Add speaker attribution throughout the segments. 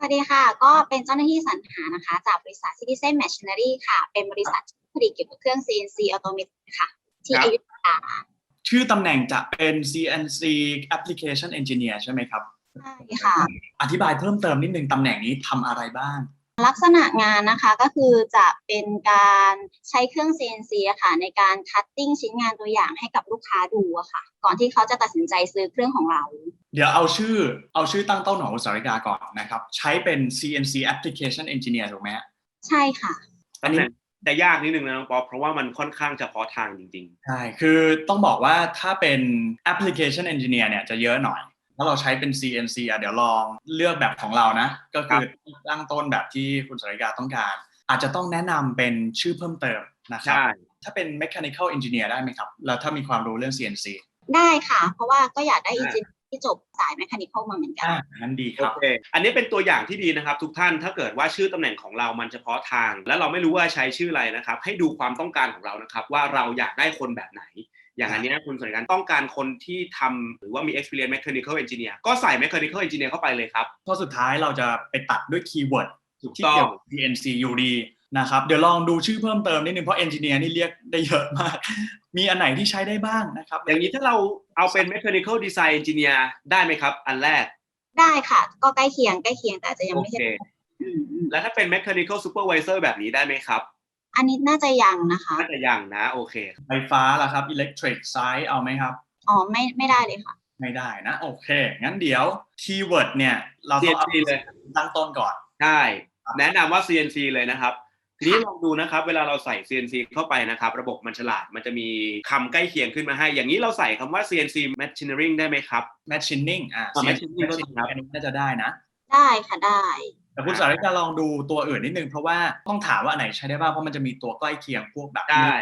Speaker 1: วัสดีค่ะก็เป็นเจ้าหน้าที่สรรหานะคะจากบริษัท Citizen Machinery ค่ะเป็นบริษัทที่ผลิตเกี่ยวกับเครื่อง CNC Automated ค่ะที่อยุธยา
Speaker 2: ชื่อตำแหน่งจะเป็น CNC Application Engineer ใช่ไหมครับ
Speaker 1: ใช่ค่ะ
Speaker 2: อธิบายเพิ่มเติมนิดนึงตำแหน่งนี้ทำอะไรบ้าง
Speaker 1: ลักษณะงานนะคะก็คือจะเป็นการใช้เครื่อง CNC อะค่ะในการคัตติ้งชิ้นงานตัวอย่างให้กับลูกค้าดูอะค่ะก่อนที่เขาจะตัดสินใจซื้อเครื่องของเรา
Speaker 2: เดี๋ยวเอาชื่อตั้งต้นของอุตสาหกรรมก่อนนะครับใช้เป็น CNC Application Engineer ถูกไหมฮะ
Speaker 1: ใช่ค่ะ
Speaker 3: ตำแหน่งจะยากนิดนึงนะน้องป๊อปเพราะว่ามันค่อนข้างเฉพาะทางจริง
Speaker 2: ใช่คือต้องบอกว่าถ้าเป็น Application Engineer เนี่ยจะเยอะหน่อยถ้าเราใช้เป็น CNC เดี๋ยวลองเลือกแบบของเรานะก็คือตั้งต้นแบบที่คุณสาริกาต้องการอาจจะต้องแนะนำเป็นชื่อเพิ่มเติมนะครับถ้าเป็น Mechanical Engineer ได้ไหมครับแล้วถ้ามีความรู้เรื่อง CNC
Speaker 1: ได้ค่ะเพราะว่าก็อยากได้อินจิเนียร์ที่จบสาย Mechanical มาเหมือนกัน
Speaker 2: งั้นดีค
Speaker 3: โอ
Speaker 2: รับ
Speaker 3: เคอันนี้เป็นตัวอย่างที่ดีนะครับทุกท่านถ้าเกิดว่าชื่อตำแหน่งของเรามันเฉพาะทางและเราไม่รู้ว่าใช้ชื่ออะไรนะครับให้ดูความต้องการของเรานะครับว่าเราอยากได้คนแบบไหนอย่างอันนี้คุณสนใจต้องการคนที่ทำหรือว่ามี experience mechanical engineer ก็ใส่ mechanical engineer เข้าไปเลยครับ
Speaker 2: ข้อสุดท้ายเราจะไปตัดด้วยคีย์เวิร์ด
Speaker 3: ที่เกี่ยวกับ
Speaker 2: CNC อยู่ดีนะครับเดี๋ยวลองดูชื่อเพิ่มเติมนิดนึงเพราะ Engineer นี่เรียกได้เยอะมากมีอันไหนที่ใช้ได้บ้างนะครับ
Speaker 3: อย่างนี้ถ้าเราเอาเป็น mechanical design engineer ได้ไหมครับอันแรก
Speaker 1: ได้ค่ะก็ใกล้เคียงแต่อาจจะยังไม่ใช่
Speaker 3: แล้วถ้าเป็น mechanical supervisor แบบนี้ได้ไหมครับ
Speaker 1: อันนี้น่าจะยังนะคะ
Speaker 3: น่าจะยังนะโอเค
Speaker 2: ไฟฟ้าล่ะครับ Electric Side เอาไหมครับ
Speaker 1: อ๋อไม่ได้เลยค่ะ
Speaker 2: ไม่ได้นะโอเคงั้นเดี๋ยวคีย์เวิร์ดเนี่ยเราต้องเอา
Speaker 3: CNC เลย
Speaker 2: ตั้งต้นก่อน
Speaker 3: ใช่แนะนำว่า CNC เลยนะครับทีนี้ลองดูนะครับเวลาเราใส่ CNC เข้าไปนะครับระบบมันฉลาดมันจะมีคำใกล้เคียงขึ้นมาให้อย่างนี้เราใส่คำว่า CNC machining ได้ไหมครับ
Speaker 2: Machining
Speaker 3: machining ก็ครับ
Speaker 2: อันนี้น่าจะได้นะ
Speaker 1: ได้ค่ะได้
Speaker 2: แต่คุณสาริกาลองดูตัวอื่นนิดนึงเพราะว่าต้องถามว่าอันไหนใช้ได้บ้างเพราะมันจะมีตัวใกล้เคียงพวกแบบ
Speaker 3: ได้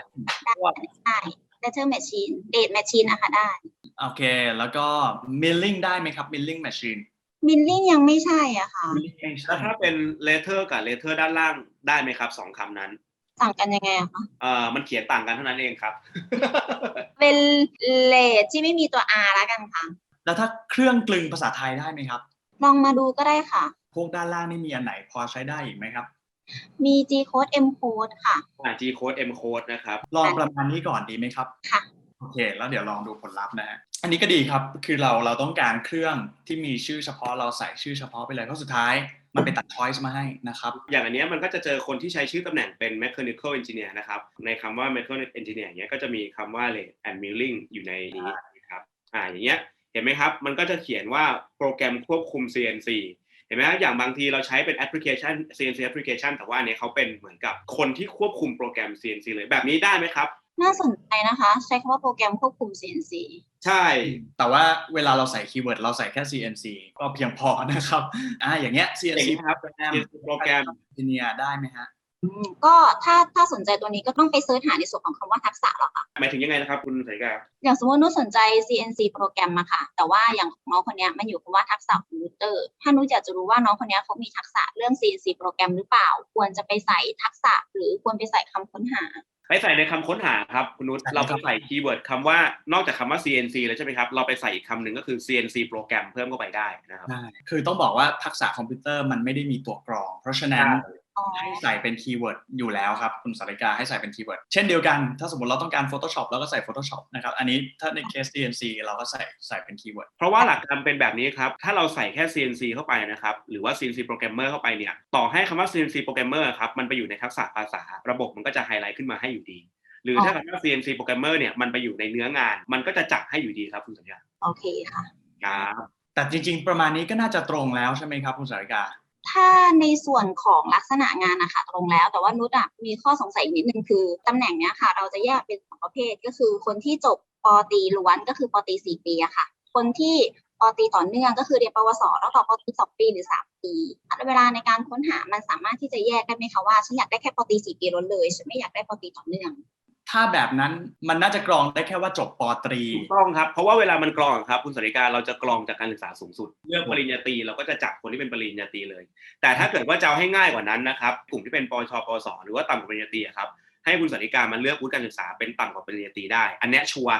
Speaker 1: Letter Machine Date Machine นะคะได้
Speaker 2: โอเคแล้วก็ Milling ได้ไหมครับ Milling Machine
Speaker 1: Milling ยังไม่ใช่อ่ะค่ะ
Speaker 3: แล้วถ้าเป็น letter กับ letter ด้านล่างได้ไหมครับ2คำนั้น
Speaker 1: ต่างกันยังไงอะคะ
Speaker 3: มันเขียนต่างกันเท่านั้นเองครับ
Speaker 1: เป็นเลทที่ไม่มีตัว R แล้วกันค่ะ
Speaker 2: แล้วถ้าเครื่องกลึงภาษาไทยได้ไหมครับ
Speaker 1: ลองมาดูก็ได้ค่ะ
Speaker 2: พวกด้านล่างนี่มีอันไหนพอใช้ได้อีกไหมครับ
Speaker 1: มี G code M code ค่ะ
Speaker 3: G code M code นะครับ
Speaker 2: ลองประมาณนี้ก่อนดีไหมครับ
Speaker 1: ค่ะ
Speaker 2: โอเคแล้วเดี๋ยวลองดูผลลัพธ์นะฮะอันนี้ก็ดีครับคือเราต้องการเครื่องที่มีชื่อเฉพาะเราใส่ชื่อเฉพาะไปเลยเพราะสุดท้ายมันไปตัด choice มาให้นะครับ
Speaker 3: อย่างอันนี้มันก็จะเจอคนที่ใช้ชื่อตำแหน่งเป็น mechanical engineer นะครับในคำว่า mechanical engineer เนี้ยก็จะมีคำว่า lathe and milling อยู่ในนี้นะครับอย่างเงี้ยเห็นไหมครับมันก็จะเขียนว่าโปรแกรมควบคุม CNC เห็นไหมครับอย่างบางทีเราใช้เป็นแอปพลิเคชัน CNC application แต่ว่าอันนี้เขาเป็นเหมือนกับคนที่ควบคุมโปรแกรม CNC เลยแบบนี้ได้ไหมครับ
Speaker 1: น่าสนใจนะคะใช้คำว่าโปรแกรมควบคุม CNC
Speaker 3: ใช่
Speaker 2: แต่ว่าเวลาเราใส่คีย์เวิร์ดเราใส่แค่ CNC ก็เพียงพอนะครับอย่างเงี้ย CNC
Speaker 3: ครับโปรแกรม
Speaker 2: Engineer ได้ไหมฮะ
Speaker 1: ก็ถ้าสนใจตัวนี้ก็ต้องไปเสิร์ชหาในส่วนของคำว่าทักษะหรอคะ
Speaker 3: หมายถึงยังไงนะครับคุณสายกา
Speaker 1: อย่างสมมตินุชสนใจ CNC โปรแกรมมาค่ะแต่ว่าอย่างน้องคนนี้มันอยู่คำว่าทักษะคอมพิวเตอร์ถ้านุชอยากจะรู้ว่าน้องคนนี้เขามีทักษะเรื่อง CNC โปรแกรมหรือเปล่าควรจะไปใส่ทักษะหรือควรไปใส่คำค้นหา
Speaker 3: ไปใส่ในคำค้นหาครับคุณนุชเราไปใส่คีย์เวิร์ดคำว่านอกจากคำว่า CNC แล้วใช่ไหมครับเราไปใส่อีกคำหนึ่งก็คือ CNC โปรแกรมเพิ่มเข้าไปได้นะครับ
Speaker 2: คือต้องบอกว่าทักษะคอมพิวเตอร์มันไม่ได้มีตัวกรองเพราะฉะนั้นให้ใส่เป็นคีย์เวิร์ดอยู่แล้วครับคุณสาริกาให้ใส่เป็นคีย์เวิร์ดเช่นเดียวกันถ้าสมมติเราต้องการ Photoshop แล้วก็ใส่ Photoshop นะครับอันนี้ถ้าในเคส CNC เราก็ใส่เป็นคีย์เวิร์ด
Speaker 3: เพราะว่าหลักการเป็นแบบนี้ครับถ้าเราใส่แค่ CNC เข้าไปนะครับหรือว่า CNC โปรแกรมเมอร์เข้าไปเนี่ยต่อให้คำว่า CNC โปรแกรมเมอร์ครับมันไปอยู่ในทักษะภาษาระบบมันก็จะไฮไลท์ขึ้นมาให้อยู่ดีหรือถ้าคำว่า CNC โปรแกรมเมอร์เนี่ยมันไปอยู่ในเนื้องานมันก็จะจับให้อยู่ดีครับคุณสัญญา
Speaker 1: โอเคค่ะ
Speaker 3: ครับ
Speaker 2: แต่จริงๆประมาณนี้ก็น่าจะตรงแล้วใช่ไหมครับคุณสาริกา
Speaker 1: ถ้าในส่วนของลักษณะงานนะคะตรงแล้วแต่ว่านุชมีข้อสงสัยอีกนิดนึงคือตำแหน่งเนี้ยค่ะเราจะแยกเป็น2ประเภทก็คือคนที่จบป.ตรีล้วนก็คือป.ตรี4 ปีอะค่ะคนที่ป.ตรีต่อเนื่องก็คือเรียนปวสแล้วต่อป.ตรี2 ปีหรือ3 ปีเวลาในการค้นหามันสามารถที่จะแยกได้ไหมคะว่าฉันอยากได้แค่ป.ตรี4 ปีล้วนเลยฉันไม่อยากได้ป.ตรีต่อเนื่อง
Speaker 2: ถ้าแบบนั้นมันน่าจะกรองได้แค่ว่าจบป.ตรี
Speaker 3: ถูกต้องครับเพราะว่าเวลามันกรองครับคุณสาริกาเราจะกรองจากการศึกษาสูงสุดเลือกปริญญาตรีเราก็จะจับคนที่เป็นปริญญาตรีเลยแต่ถ้าเกิดว่าจะเอาให้ง่ายกว่านั้นนะครับกลุ่มที่เป็นปชปสหรือว่าต่ำกว่าปริญญาตรีครับให้คุณสาริกามันเลือกวุฒิการศึกษาเป็นต่ำกว่าปริญญาตรีได้อันนี้ชัวร์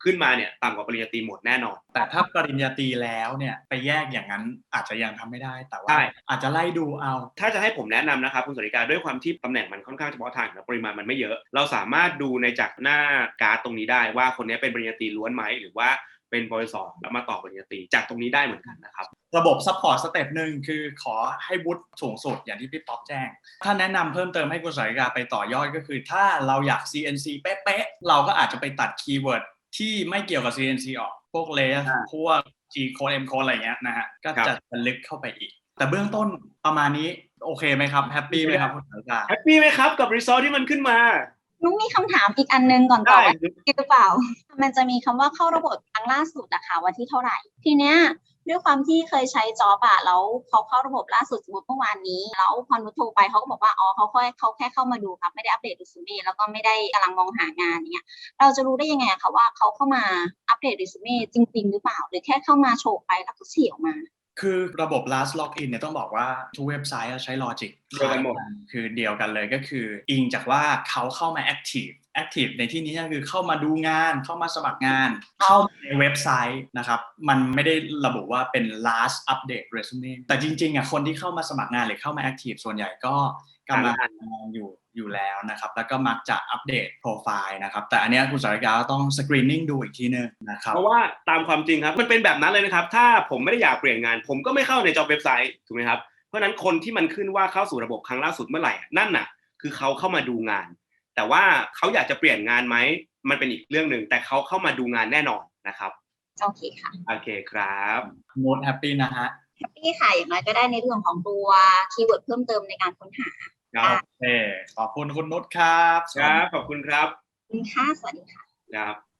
Speaker 3: ขึ้นมาเนี่ยต่ำกว่าปริญญาตรีหมดแน่นอน
Speaker 2: แต่ถ้าปริญญาตรีแล้วเนี่ยไปแยกอย่างนั้นอาจจะยังทำไม่ได้แต่ว่า
Speaker 3: ใช่
Speaker 2: อาจจะไล่ดูเอา
Speaker 3: ถ้าจะให้ผมแนะนำนะครับคุณสริกาด้วยความที่ตำแหน่งมันค่อนข้างเฉพาะทางและปริมาณมันไม่เยอะเราสามารถดูในจากหน้าการ์ดตรงนี้ได้ว่าคนนี้เป็นปริญญาตรีล้วนไหมหรือว่าเป็นปวสแล้วมาต่อปริญญาตรีจากตรงนี้ได้เหมือนกันนะครับ
Speaker 2: ระบบซัพพอร์ตสเต็ปหนึ่งคือขอให้วุฒิสูงสุดอย่างที่พี่ป๊อปแจ้งถ้าแนะนำเพิ่มเติมให้คุณสริกาไปต่อยอดก็คือถ้าเราอยาก CNC เป๊ะๆเราก็อาจจะไปตัดคีย์เวิร์ดที่ไม่เกี่ยวกับ CNC ออกพวกเลสพวก G code M code อะไรเงี้ยนะฮะก็จะลึกเข้าไปอีกแต่เบื้องต้นประมาณนี้โอเคไหมครับแฮปปี้ไหมครับคุณสริกา
Speaker 3: แฮปปี้ไหมครับกับรีซอสที่มันขึ้นมา
Speaker 1: นุ้งมีคำถามอีกอันนึงก่อนต่อว่าหรือเปล่ามันจะมีคำว่าเข้าระบบครั้งล่าสุดนะคะวันที่เท่าไหร่ทีเนี้ยด้วยความที่เคยใช้จ็อบอะแล้วเขาเข้าระบบล่าสุดสมมติเมื่อวานนี้แล้วพอนุชโทรไปเขาก็บอกว่าอ๋อเขาแค่เข้ามาดูครับไม่ได้อัปเดตเรซูเม่แล้วก็ไม่ได้กำลังมองหางานอย่างเงี้ยเราจะรู้ได้ยังไงคะว่าเขาเข้ามาอัปเดตเรซูเม่จริงๆหรือเปล่าหรือแค่เข้ามาโชว์ไปแล้วก็เฉี่ยวมา
Speaker 2: คือระบบ last login เนี่ยต้องบอกว่าทุกเว็บไซต์ใช้ logic
Speaker 3: เดียวกันหมด
Speaker 2: คือเดียวกันเลยก็คืออิงจากว่าเขาเข้ามา active ในที่นี้ก็คือเข้ามาดูงานเข้ามาสมัครงานเข้าในเว็บไซต์นะครับมันไม่ได้ระบุว่าเป็น last update resume แต่จริงๆคนที่เข้ามาสมัครงานหรือเข้ามา active ส่วนใหญ่ก็กำลังทำงานอยู่แล้วนะครับแล้วก็มักจะอัปเดตโปรไฟล์นะครับแต่อันนี้คุณสริกาต้องสกรีนนิ่งดูอีกทีนึงนะครับ
Speaker 3: เพราะว่าตามความจริงครับมันเป็นแบบนั้นเลยนะครับถ้าผมไม่ได้อยากเปลี่ยนงานผมก็ไม่เข้าใน job เว็บไซต์ถูกไหมครับเพราะนั้นคนที่มันขึ้นว่าเข้าสู่ระบบครั้งล่าสุดเมื่อไหร่นั่นน่ะคือเขาเข้ามาดูงานแต่ว่าเขาอยากจะเปลี่ยนงานไหมมันเป็นอีกเรื่องนึงแต่เขาเข้ามาดูงานแน่นอนนะครับ
Speaker 1: โอเคค่ะ
Speaker 3: โอเคครับ
Speaker 2: โน้ตแฮปปี้นะฮะ
Speaker 1: แฮปปี้ค่ะอย่างน้อยก็ได้ในเรื่องของตัวคีย์เวิร์ดเพิ่มเติมในการค้นหา
Speaker 2: โอเคขอบคุณคุณนุชครับ
Speaker 3: ครับขอบคุณครับ
Speaker 1: คุณค่ะสวัสดีค่ะ
Speaker 3: ครับ